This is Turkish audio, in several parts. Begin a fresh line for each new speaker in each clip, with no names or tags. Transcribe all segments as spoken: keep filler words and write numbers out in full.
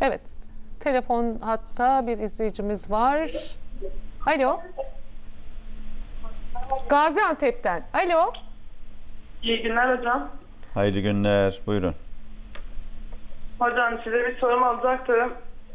Evet. Telefon hatta bir izleyicimiz var. Alo. Gaziantep'ten. Alo.
İyi günler hocam.
Hayırlı günler. Buyurun.
Hocam size bir sorum olacaktı.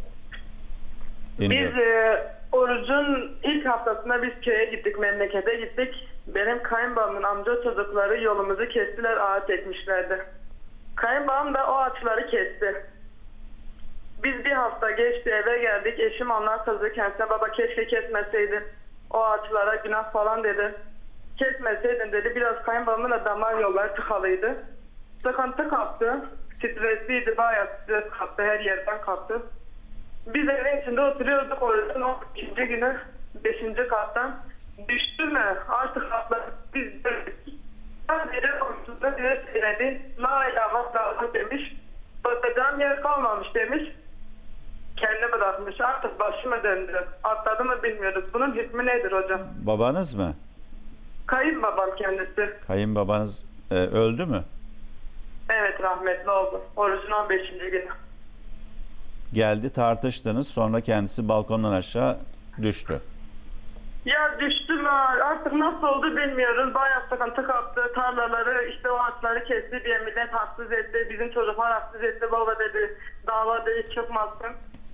Dinliyorum.
Biz e, orucun ilk haftasında biz köye gittik, memlekete gittik. Benim kayınbabamın amca çocukları yolumuzu kestiler, ağaç ekmişlerdi. Kayınbabam da o ağaçları kesti. Biz bir hafta geçti, eve geldik. Eşim ondan kızdı kendisine, baba keşke kesmeseydin. O ağaçlara günah falan dedi. Kesmeseydin dedi. Biraz kayınbabamın da damar yolları tıkalıydı. Sıkıntı kaptı. Stresliydi, bayağı stres kaptı, her yerden kaptı. Biz evin içinde oturuyorduk, orucun on ikinci günü beşinci kattan. Düştü mü artık katlar biz döndük. Sadece orucunda diye söyledi. La ilahe illallah demiş. Bakacağım yer kalmamış demiş. Kendi bırakmış, artık başıma döndü. Atladı mı bilmiyoruz. Bunun hükmü nedir hocam?
Babanız mı?
Kayınbabam kendisi.
Kayınbabanız e, öldü mü?
Evet, rahmetli oldu. Orucun on beşinci günü.
Geldi, tartıştınız, sonra kendisi balkondan aşağı düştü.
Ya düştü mü artık nasıl oldu bilmiyoruz. Bayağı sıkıntı kaptı. Tarlaları işte o ağaçları kesti diye millet haksız etti. Bizim çocuklar haksız etti. Baba dedi dava dedi çıkmazsın.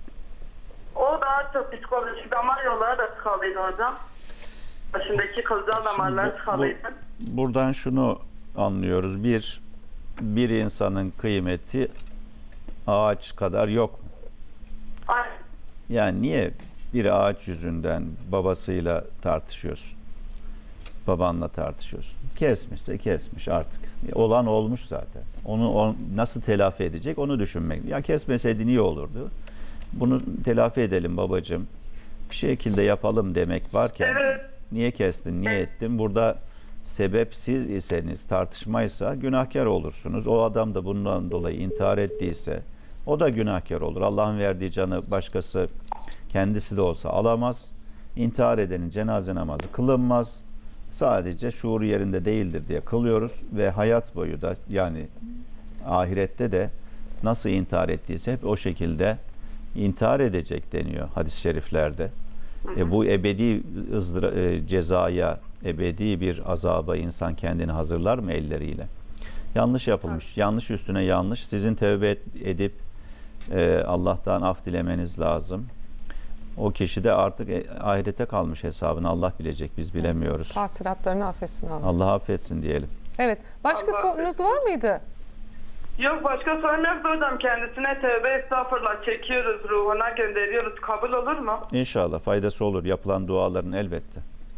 O daha çok psikolojik, damar yolları da tıkalıydı hocam. Başındaki kılcal damarları
Bu-
tıkalıydı.
bu- buradan şunu anlıyoruz. Bir, bir insanın kıymeti ağaç kadar yok mu?
Ay,
Yani niye bir ağaç yüzünden babasıyla tartışıyorsun? Babanla tartışıyorsun. Kesmişse kesmiş artık. Olan olmuş zaten. Onu on, nasıl telafi edecek onu düşünmek. Ya kesmeseydin iyi olurdu. Bunu telafi edelim babacığım. Bir şekilde yapalım demek varken
Evet.
niye kestin, niye ettin? Burada sebep siz iseniz, tartışmaysa günahkar olursunuz. O adam da bundan dolayı intihar ettiyse o da günahkar olur. Allah'ın verdiği canı başkası kendisi de olsa alamaz. İntihar edenin cenaze namazı kılınmaz. Sadece şuuru yerinde değildir diye kılıyoruz ve hayat boyu da yani ahirette de nasıl intihar ettiyse hep o şekilde intihar edecek deniyor hadis-i şeriflerde. E bu ebedi ızdıra, e, cezaya, ebedi bir azaba insan kendini hazırlar mı elleriyle? Yanlış yapılmış. Evet. Yanlış üstüne yanlış. Sizin tövbe et, edip e, Allah'tan af dilemeniz lazım. O kişi de artık e, ahirete kalmış hesabını Allah bilecek. Biz bilemiyoruz.
Tahsilatlarını affetsin Allah.
Allah affetsin diyelim.
Evet. Başka
Allah
sorunuz var mıydı?
yok başka sorun yok hocam. Kendisine tövbe estağfurullah çekiyoruz, ruhuna gönderiyoruz. Kabul olur mu?
İnşallah faydası olur. Yapılan duaların elbette.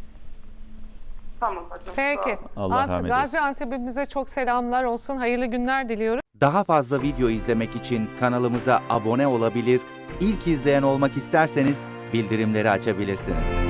Tamam hocam.
Peki.
Allah
Ant-
rahmet eylesin.
Gaziantep'imize çok selamlar olsun. Hayırlı günler diliyoruz.
Daha fazla video izlemek için kanalımıza abone olabilir, ilk izleyen olmak isterseniz bildirimleri açabilirsiniz.